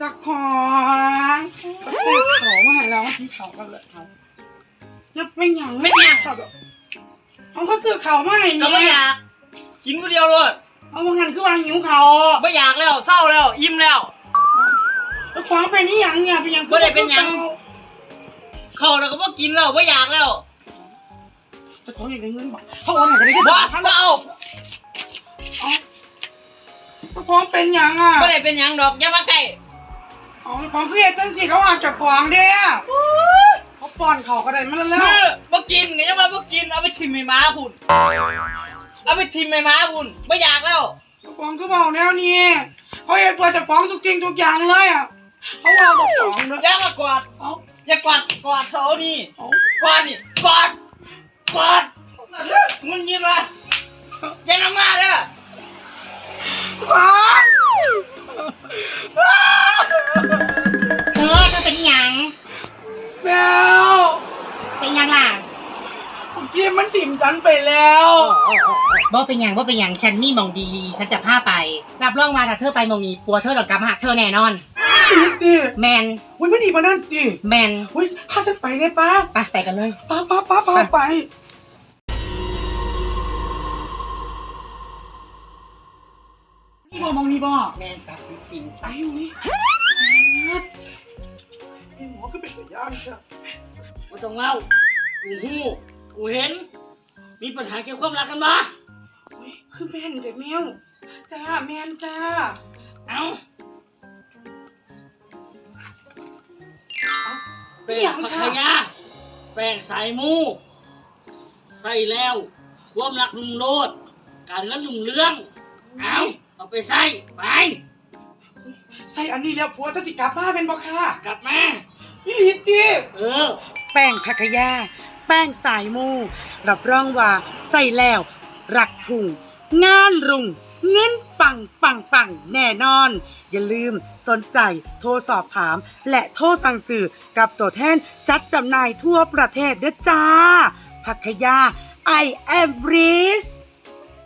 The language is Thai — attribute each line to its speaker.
Speaker 1: จักของซื้อเขามาให้เราที่เขากันเลยเขาจะเป็นอย่าง
Speaker 2: ไม่อยาก
Speaker 1: เขาก็ซื้อเขามาให้
Speaker 2: ก็ไม่อยากกินคนเดียวเลย
Speaker 1: เอาว่างั้นคือว่าหิวเขา
Speaker 2: ไม่อยากแล้วเศร้าแล้วอิ่มแล้ว
Speaker 1: จักของเป็นนี่อย่างเนี่ยเป็นอย่าง
Speaker 2: บ่ได้เป็นหยัง เข้าแล้วก็บ่กินแล้วไม่อยากแล้ว
Speaker 1: จักของอยากได้เงินบ่เขาโอนให้กันได้แค่
Speaker 2: บ่
Speaker 1: 3,000
Speaker 2: บ่เอา
Speaker 1: จักของเป็นอย่างอ่ะ
Speaker 2: ไม่ได้เป็นหยังดอกอย่ามาใกล้
Speaker 1: เอาของคือเฮ็ดจังสิเขาหักจากของเด้อเขาป้อนเขาก็ได้มันแล้ว
Speaker 2: บ่กินก็ยังว่าบ่กินเอาไปทิ่มให้หมาพุ่นเอาไปทิ่มให้หมาพุ่นไม่อยากแล้ว
Speaker 1: จักของคือเบาแนวนี้เขาเฮ็ดเพื่อจักของทุกจริงทุกอย่างเลยอ่ะเขาเอาจักของด้วย
Speaker 2: อย่ามากอด
Speaker 1: เอา
Speaker 2: อย่ากอดเสานี่
Speaker 1: เอา
Speaker 2: กอดนี่กอดมึงยินวะอย่านำมาเด้อ
Speaker 1: ของ
Speaker 3: เธอเป็นหยัง
Speaker 1: แมว
Speaker 3: เป็นหยังล่ะ
Speaker 1: เมื่อกี้มันถิ่มฉันไปแล้ว
Speaker 3: บ่เป็นหยังฉันมีหมองดีฉันจะพาไปรับรองว่าถ้าเธอไปหมองนี้ปัวเธอต้องกลับมาหาเธอแน่นอน
Speaker 1: ดิ
Speaker 3: แมน
Speaker 1: อุ้ยไม่ดีมานั่นดิ
Speaker 3: แมน
Speaker 1: อุ้ยพาฉันไปได้ป้า
Speaker 3: ไปกันเลย
Speaker 1: ป้าฟ้าไปนี่บ่มองนี่บ่
Speaker 3: แมนกับจริง
Speaker 1: ไปอุ้ยไอ้หมอก็เป็นตัวอย่างใช่
Speaker 2: บ่ต้องเล่ากูฮู้กูเห็น มีปัญหาเกี่ยวกับความรักกันบ่
Speaker 1: อุ้ยคือแม่นเด็กแมวจ้าแม่นจ้า
Speaker 2: เอ้า
Speaker 1: เปียง
Speaker 2: พัท
Speaker 1: ค่ะ
Speaker 2: ยาแป้งสายมูใส่แล้ว ความรักรุ่งโรจน์การเงินรุ่งเรืองเอาไปใส่ไป
Speaker 1: ใส่อันนี้แล้วผัวจะจิกลับมาเป็นบ่ค่ะ
Speaker 2: กลับมา
Speaker 1: นี่ลิตดิ
Speaker 3: แป้งพัทยาแป้งสายมูรับรองว่าใส่แล้วรักพุ่งงานรุ่งเงินปังแน่นอน อย่าลืมสนใจโทรสอบถาม และโทรสั่งซื้อกับตัวแทนจัดจำหน่ายทั่วประเทศเด้อจ้าพัทยา I am Breeze